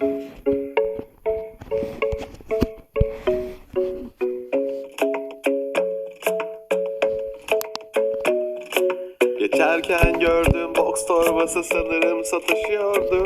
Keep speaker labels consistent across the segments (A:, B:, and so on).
A: Geçerken gördüm, boks torbası sanırım satışıyordu.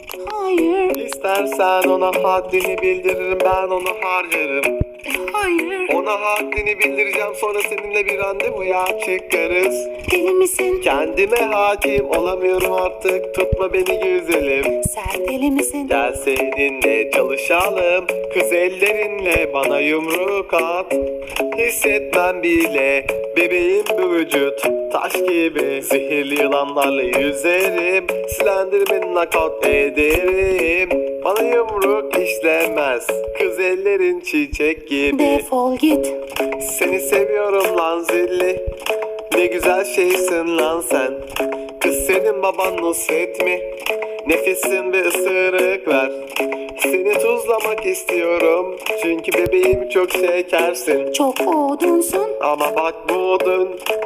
B: Hayır,
A: İstersen ona haddini bildiririm, ben onu harcarım.
B: hayır.
A: Ona haddini bildireceğim, sonra seninle bir randevuya çıkarız.
B: Deli misin?
A: Kendime hakim olamıyorum artık, tutma beni güzelim.
B: Sen deli misin?
A: Gel seninle çalışalım, kız ellerinle bana yumruk at. Hissetmem bile bebeğim bu vücut, taş gibi. Zehirli yılanlarla yüzerim, Slenderman'ı nakavt ederim. Bana yumruk işlemez, kız ellerin çiçek gibi.
B: Defol git.
A: Seni seviyorum lan zilli, ne güzel şeysin lan sen. Kız senin baban Nusret mi? Nefesin bir ısırık ver. Seni tuzlamak istiyorum, çünkü bebeğim çok şekersin.
B: Çok odunsun.
A: Ama bak bu odun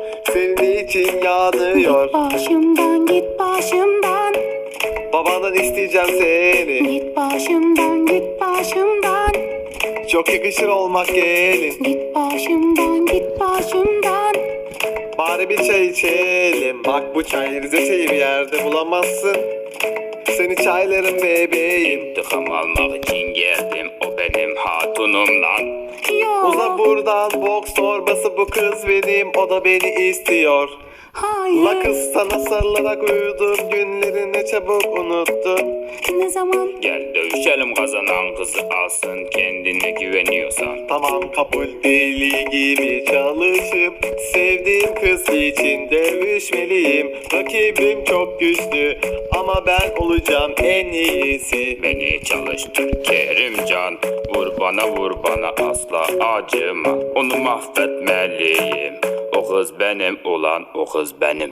A: senin için yanıyor.
B: Başımdan git başımdan.
A: Babandan isteyeceğim seni,
B: Git başımdan git başımdan.
A: çok yakışır olmak gelin.
B: Git başımdan git başımdan.
A: Bari bir çay içelim, bak bu çay Rize çayı bir yerde bulamazsın. Seni çaylarım bebeğim.
C: İntikam almak için geldim, o benim hatunum lan.
A: Uza
B: Yok.
A: buradan, boks torbası bu kız benim, o da beni istiyor.
B: Hayır.
A: La kız sana sarılarak uyudum, günlerini çabuk unuttun.
B: Ne zaman?
C: Gel dövüşelim, kazanan kızı alsın, kendine güveniyorsan.
A: Tamam kabul, deli gibi çalışıp sevdiğim kız için dövüşmeliyim. Rakibim çok güçlü ama ben olacağım en iyisi.
C: Beni çalıştır Kerimcan, vur bana asla acıma. Onu mahvetmeliyim, o kız benim ulan, o kız benim.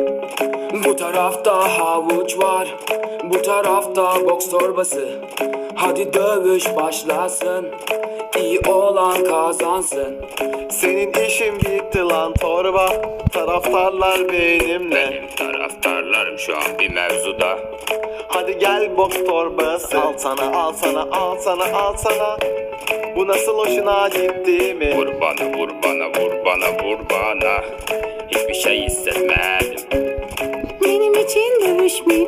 C: Bu tarafta havuç var, bu tarafta boks torbası. Hadi dövüş başlasın, iyi olan kazansın.
A: Senin işin bitti lan torba, taraftarlar benimle.
C: Benim taraftarlarım şu an bir mevzuda.
A: Hadi gel boks torbası, al sana al sana al sana al sana. Bu nasıl hoşuna gitti mi?
C: Vur bana vur bana vur bana vur bana. Hiçbir şey hissetmedim.
B: Benim için dövüşmeyin.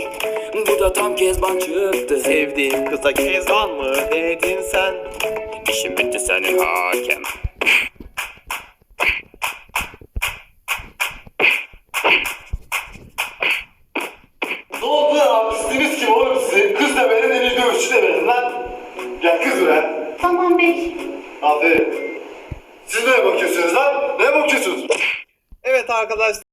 C: Bu da tam Kezban çıktı.
A: Sevdiğin kıza kezban mı dedin sen?
C: İşim bitti senin hakem.
A: Ne oldu ya? Artistiniz kim oğlum size? Kız da verin, deniz dövüşçü de verin lan. Gel kız ver.
B: Tamam bey.
A: Aferin. Siz neye bakıyorsunuz lan? Neye bakıyorsunuz? Evet arkadaşlar.